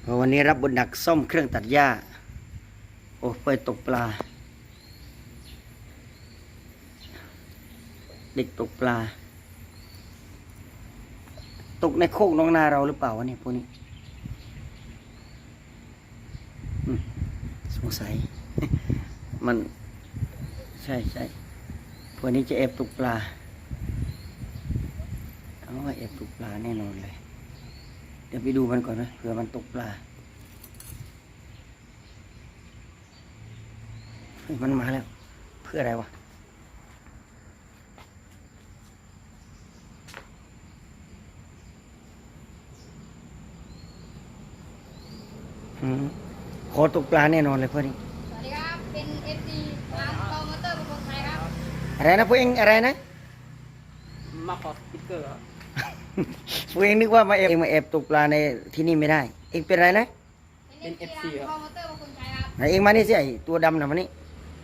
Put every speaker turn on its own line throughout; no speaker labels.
วันนี้รับบทหนักซ่อมเครื่องตัดหญ้าโอ้ไปตกปลาเด็กตกปลาตกในโคกน้องนาเราหรือเปล่าวะเนี่ยพวกนี้สงสัย มันใช่พวกนี้จะแอบตกปลาเอาว่าแอบตกปลาแน่นอนเลยเดี๋ยวไปดูมันก่อนนะเผื่อมันตกปลาเฮ้ยมันมาแล้วเพื่ออะไรวะขอตกปลาแน่นอนเลยเพื่อนนี่
สวัสดีครับเป็นเอฟซีร้านคอมมอเตอร์บางคนไทยครับ
อะไรนะพวกเองอะไรนะ
มาขอสติ๊กเกอร์
พวกเองนึกว่ามาแอบตกปลาในที่นี่ไม่ได้เองเป็นอะไรนะ
เป็นเอฟซีร้านคอมมอเตอร์บางคนไทยครับ
ไหนเองมานี่สิไอตัวดำนะมันนี่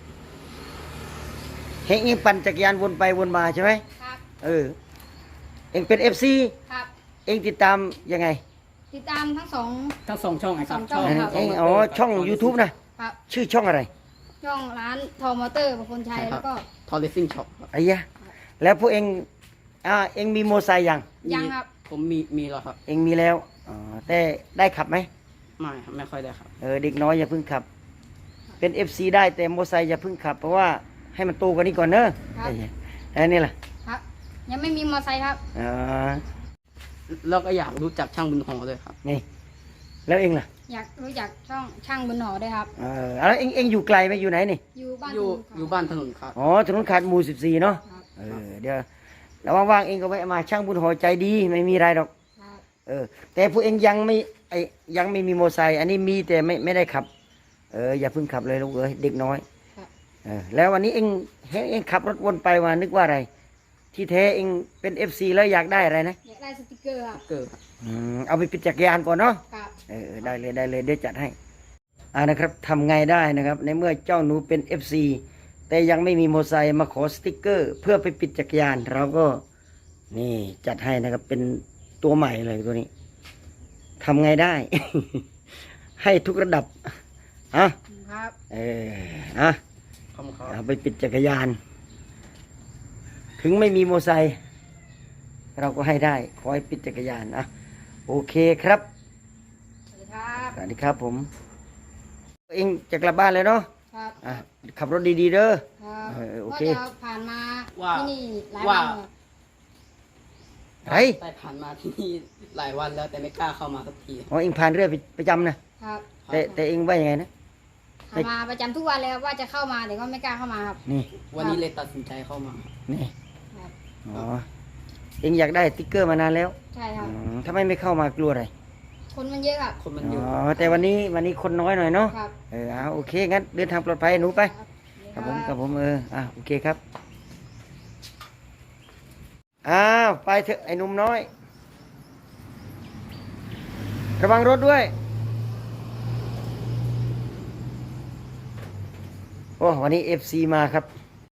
เฮงปั่นจักรยานวนไปวนมาใช่ไหม
ครับ
เอเองเป็นเอฟซี
ครับ
เองติดตามยังไง
ติดตามทั้งสอง
ช่องไอ้ครับ
ช่องครับ
เองอ๋อช่อง YouTube นะครับชื่อช่องอะไร
ช่องร้านทอมอเตอร์บางคนไทยแล้วก็
ทอร์เรซิ่งช็อป
ไอ้ยะแล้วพวกเองเองมีโมอไซค์ยัง
ยังครับ
ผมมีแล้วครับ
เองมีแล้วอ๋อแต่ได้ขับไหม
ไม่ครับไม่ค่อยได้ครับ
เด็กน้อยอย่าเพิ่งขับเป็น FC ได้แต่โมอไซค์อย่าเพิ่งขับเพราะว่าให้มันโตกว่านี้ก่อนเนอะแล้วนี่ล่ะ
ครับยังไม่มีมอไซค์ครับ
แล้วก็อยากรู้จักช่างบุญหอด้วยครับ
นี่แล้วเองล่ะ
อยากรู้จักช่างบนหอด้วยครับ
แล้วเองอยู่ไกลไหมอยู่ไหนนี่
อยู่บ้าน
อยู่บ้านถนนครับ
อ๋อถนนขาดหมู่14เนาะเดี๋ยวแล้วว่างๆเองก็ไปมาช่างบุญหอใจดีไม่มีอะไรหรอกแต่พวกเองยังไม่มีโมอไซค์อันนี้มีแต่ไม่ได้ขับอย่าเพิ่งขับเลยลูกเด็กน้อยแล้ววันนี้เองขับรถวนไปว่านึกว่าอะไรที่แท้เองเป็น FC แล้วอยากได้อะไรนะ
อยากได้สติกเกอร์ครับ
เอาไปปิดจักรยานก่อนเนาะได้เลยเดี๋ยวจัดให้นะครับทำไงได้นะครับในเมื่อเจ้าหนูเป็น FC แต่ยังไม่มีโมอไซค์มาขอสติกเกอร์เพื่อไปปิดจักรยานเราก็นี่จัดให้นะครับเป็นตัวใหม่เลยตัวนี้ทำไงได้ ให้ทุกระดับ
ครับ
เอาไปปิดจักรยานถึงไม่มีโมอไซค์เราก็ให้ได้ขอให้ปิดจักรยานโอเคครับ
สวัสดีครับ
สวัสดีครับผมเองจะกลับบ้านเลยเนาะ
ครับ
ขับรถดีๆเด้อโอเค
ผ่านมาที่นี่หลายวัน
แต่ผ่านมาที่นี่หลายวันแล้วแต่ไม่กล้าเข้ามาสักที
เองผ่านเรื่อยประจำนะครับแต่เองว่ายังไงนะ
มาประจำทุกวันเลยครับว่าจะเข้ามาแต่ก็ไม่กล้าเข้ามาครับ
นี่
วันนี้เลยตัดสินใจเข้ามา
นี่เองอยากได้สติ๊กเกอร์มานานแล้ว
ใช่ครับ
ทำไมไม่เข้ามากลัวอะไร
คนมันเยอะครับ
คนมันเยอะ
แต่วันนี้คนน้อยหน่อยเนาะโอเคงั้นเดินทางปลอดภัยหนูไปครับผมโอเคครับไปเถอะไอ้หนุ่มน้อยระวังรถด้วยวันนี้ FC มาครับ